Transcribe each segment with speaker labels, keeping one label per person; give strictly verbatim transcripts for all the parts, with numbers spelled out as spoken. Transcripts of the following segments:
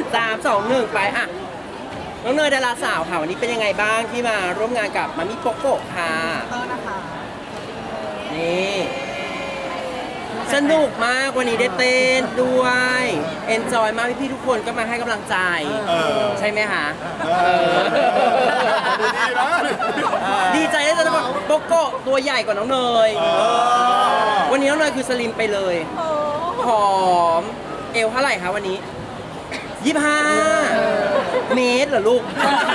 Speaker 1: สามสองหนึ่งไปอ่ะน้องเนยดาราสาวค่ะวันนี้เป็นยังไงบ้างที่มาร่วมงานกับมามิโปโกะค่ะนี่สนุกมากวันนี้ได้เต้นด้วยเอนจอยมากพี่ๆทุกคนก็มาให้กำลังใจ
Speaker 2: เออ
Speaker 1: ใช่ไหมคะ
Speaker 2: เออดีนะ
Speaker 1: ดีใจได้จะบอกโปโกะตัวใหญ่กว่าน้องเนย
Speaker 2: เออ
Speaker 1: วันนี้น้องเนยคือสลิมไปเลยผอมเอวเท่าไหร่คะวันนี้ยี่สิบห้าเมตรเหรอลูก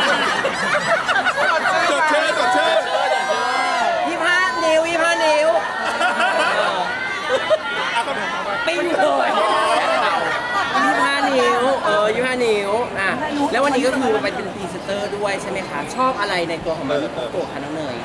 Speaker 2: สดชื่นสดชื่น
Speaker 1: ยี่สิบห้านิ้วยี่สิบห้านิ้ว
Speaker 2: อ่ะคำถามต่อไป
Speaker 1: ปิ้งเลยยี่สิบห้านิ้วเออยี่สิบห้านิ้วอ่ะแล้ววันนี้ก็คือไปเป็นพรีเซนเตอร์ด้วยใช่ไหมคะชอบอะไรในตัวของมามิโปโกะคะน้องเนย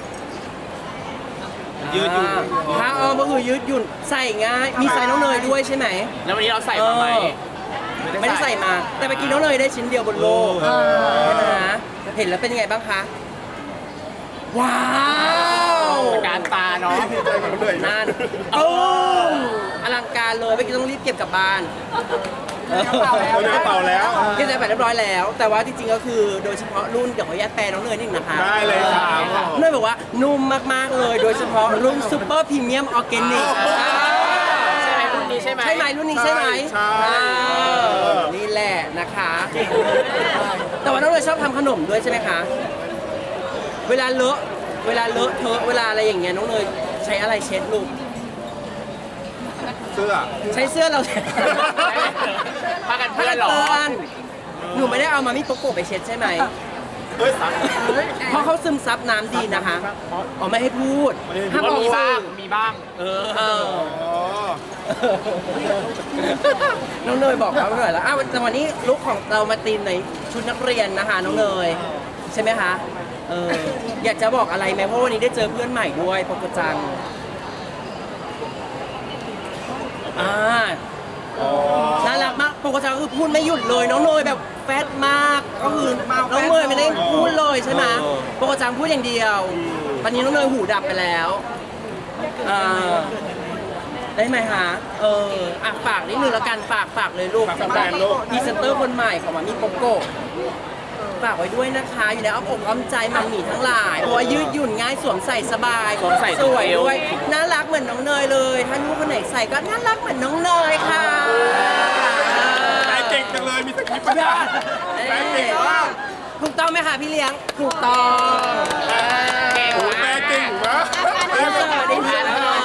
Speaker 2: ยืดหยุ่น
Speaker 1: ผ้าอ้อมก็คือยืดหยุ่นใส่ง่ายมีไซส์น้องเนยด้วยใช่ไหม
Speaker 3: แล้ววันนี้เราใส่มาไหม
Speaker 1: ไม่ได้ใส่มา แต่ไปกินน้องเนยได้ชิ้นเดียวบนโลกใช่ไหมนะเห็นแล้วเป็นยังไงบ้างคะ ว้าว
Speaker 3: การตาเนาะ
Speaker 2: ดีใจกับเลย
Speaker 1: นั่นโอ้อลังการเลยไม่อกี้ต้องรีบเก็บกลับบ้าน
Speaker 2: เราเดินเป่าแล้ว
Speaker 1: เก็บไปเรียบร้อยแล้ว แต่ว่าจริงๆก็คือโดยเฉพาะรุ่นเดี๋ยวขออนุญาตแปลน้องเนยนิดนึงนะคะ
Speaker 2: ได้เลยครับ
Speaker 1: เนยบอกว่านุ่มมากๆเลย โดยเฉพาะรุ่นซูเปอร์พรีเมียมออร์แกนิก
Speaker 3: ใช่ไหมรุ่นนี้ใช่ไหม
Speaker 1: ใช่ไหมรุ่นนี้ใช่ไหม
Speaker 2: ใช่
Speaker 1: อ่านี่แหละนะคะ แต่ว่าน้องเนยชอบทำขนมด้วยใช่ไหมคะ เวลาเลอะ เวลาเลอะเทอะเวลาอะไรอย่างเงี้ยน้องเนยใช้อะไรเช็ดลูก
Speaker 2: เสื้อ
Speaker 1: ใช้เสื้อเราเช็ด
Speaker 3: พากันเพื่อนเหรอ
Speaker 1: หนูไม่ได้เอามามิโปโกะไปเช็ดใช่ไหม
Speaker 2: เฮ้ยสัก
Speaker 1: เพราะเขาซึมซับน้ำดีนะคะอ๋อไม่ให้พูด
Speaker 2: ไม่ให้พูด
Speaker 1: ห้ามออก
Speaker 3: มีบ้าง
Speaker 1: สื่อ
Speaker 3: มีบ้าง
Speaker 1: เออเออ
Speaker 2: อ๋อ
Speaker 1: น้องเนยบอกเขาหน่อยแล้วอ้าวแต่วันนี้ลุคของเรามาตีมในชุดนักเรียนนะคะน้องเนยใช่ไหมคะเอออยากจะบอกอะไรไหมเพราะวันนี้ได้เจอเพื่อนใหม่ด้วยปกจังอ่า
Speaker 2: อ๋อ
Speaker 1: น่ารักมากปกติคือพูดไม่หยุดเลยน้องเนยแบบแฟตมากก็คือน้องเนยไม่ได้พูดเลยใช่ไหมปกติพูดอย่างเดียวตอนนี้น้องเนยหูดับไปแล้วอ่าได้ไหมคะเอออ่ะฝากนิดนึงแล้วกันฝากฝากเลยลูกสำหรับพรีเซนเตอร์คนใหม่ของมามิโปโกะฝากไว้ด้วยนะคะอยู่ในอ้อมอกอ้อมใจมัมหมี่ทั้งหลายเพราะว่ายืดหยุ่นง่ายสวมใส่สบาย
Speaker 3: สวมใส่
Speaker 1: สวย
Speaker 3: เอว
Speaker 1: ด้วยน่ารักเหมือนน้องเนยเลยถ้าลูกคนไหนใส่ก็น่ารักเหมือนน้องเนยค่ะ
Speaker 2: แต่เก่งจังเลย มีสคริปต์ปะเนี่ยแต่เก่งมาก
Speaker 1: ถูกต้องไหมคะพี่เลี้ยง ถูกต้อง
Speaker 3: เก่ง
Speaker 2: โอ้โห
Speaker 3: มา
Speaker 2: แต่
Speaker 3: ก
Speaker 2: เก่งนะ
Speaker 1: เออได้ยิน